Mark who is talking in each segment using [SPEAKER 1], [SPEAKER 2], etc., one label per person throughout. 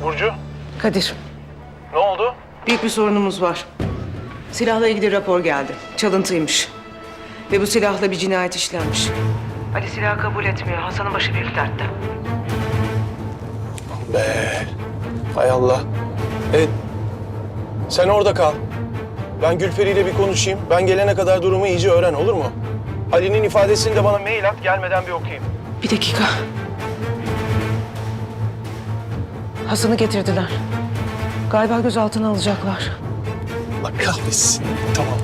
[SPEAKER 1] Burcu?
[SPEAKER 2] Kadir,
[SPEAKER 1] Ne oldu?
[SPEAKER 2] büyük bir sorunumuz var. Silahla ilgili rapor geldi. Çalıntıymış. Ve bu silahla bir cinayet işlenmiş. Ali silahı kabul etmiyor. Hasan'ın başı büyük dertte.
[SPEAKER 1] Be. Hay Allah. Sen orada kal. Ben Gülperi ile bir konuşayım. Ben gelene kadar durumu iyice öğren, olur mu? Ali'nin ifadesini de bana mail at, gelmeden bir okuyayım.
[SPEAKER 2] Bir dakika. Hasan'ı getirdiler. Galiba gözaltına alacaklar.
[SPEAKER 1] Allah kahretsin. Tamam.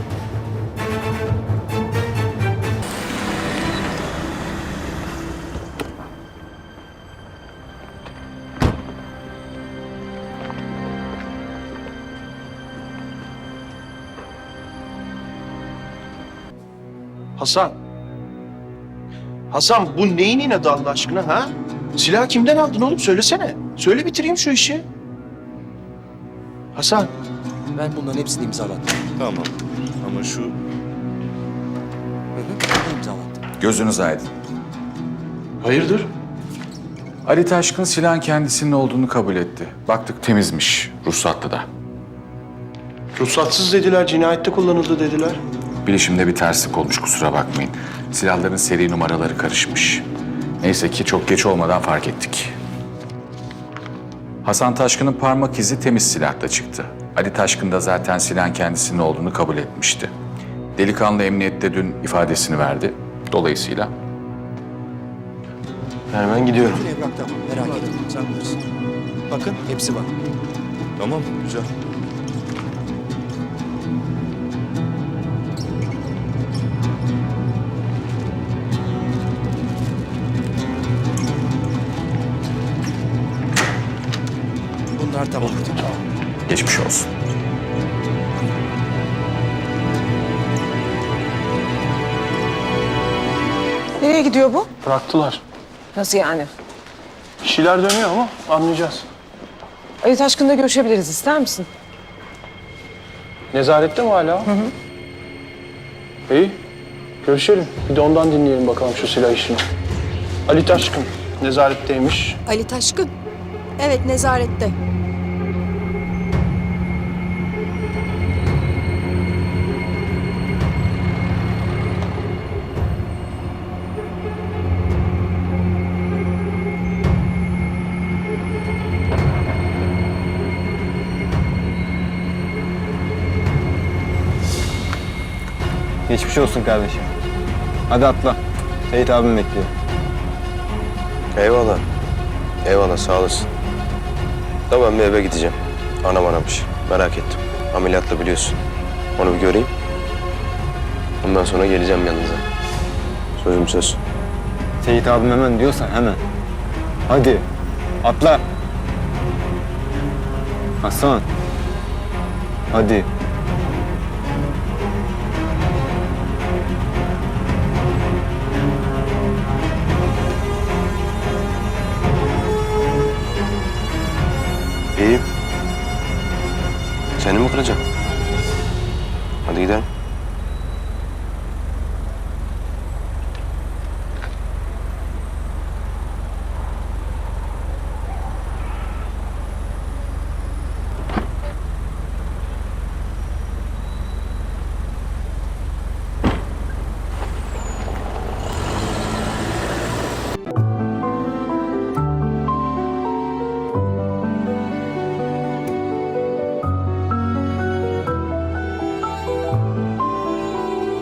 [SPEAKER 1] Hasan. Hasan, bu neyin inadı Allah aşkına ha? Silahı kimden aldın oğlum? Söylesene. Söyle bitireyim şu işi. Hasan.
[SPEAKER 3] Ben bunların hepsini imzalattım.
[SPEAKER 4] Tamam. Ama şu...
[SPEAKER 3] Ben imzalattım.
[SPEAKER 5] Gözünüz aydın.
[SPEAKER 1] Hayırdır?
[SPEAKER 5] Ali Taşkın silahın kendisinin olduğunu kabul etti. Baktık temizmiş, ruhsatlı da.
[SPEAKER 1] Ruhsatsız dediler, cinayette kullanıldı dediler.
[SPEAKER 5] Bilişimde bir terslik olmuş, kusura bakmayın. Silahların seri numaraları karışmış. Neyse ki çok geç olmadan fark ettik. Hasan Taşkın'ın parmak izi temiz silahta çıktı. Ali Taşkın da zaten silahın kendisinin olduğunu kabul etmişti. Delikanlı emniyette dün ifadesini verdi. Dolayısıyla
[SPEAKER 1] Yani ben gidiyorum.
[SPEAKER 3] Bütün evrak tamam. Merak etme. Sen bilirsin. Bakın hepsi var.
[SPEAKER 4] Tamam, güzel.
[SPEAKER 3] Bunlar tamam.
[SPEAKER 5] geçmiş olsun.
[SPEAKER 2] Nereye gidiyor bu?
[SPEAKER 1] Bıraktılar.
[SPEAKER 2] Nasıl yani?
[SPEAKER 1] Bir şeyler dönüyor ama anlayacağız.
[SPEAKER 2] Ali Taşkın'la görüşebiliriz. İster misin?
[SPEAKER 1] Nezarette mi hala? Hı hı. İyi. Görüşelim. Bir de ondan dinleyelim bakalım şu silah işini. Ali Taşkın nezaretteymiş.
[SPEAKER 6] Ali Taşkın. Evet, nezarette.
[SPEAKER 7] Geçmiş olsun kardeşim. Hadi atla. Seyit abim bekliyor.
[SPEAKER 8] Eyvallah. Eyvallah, sağ olasın. Da ben bir eve gideceğim. Anam aramış. Merak ettim. Ameliyatla biliyorsun. Onu bir göreyim. Ondan sonra geleceğim yanınıza. Sözüm söz.
[SPEAKER 7] Seyit abim hemen diyorsan hemen. Hadi. Atla. Hasan. Hadi.
[SPEAKER 8] İyiyim. Seni mi kıracağım? Hadi gidelim.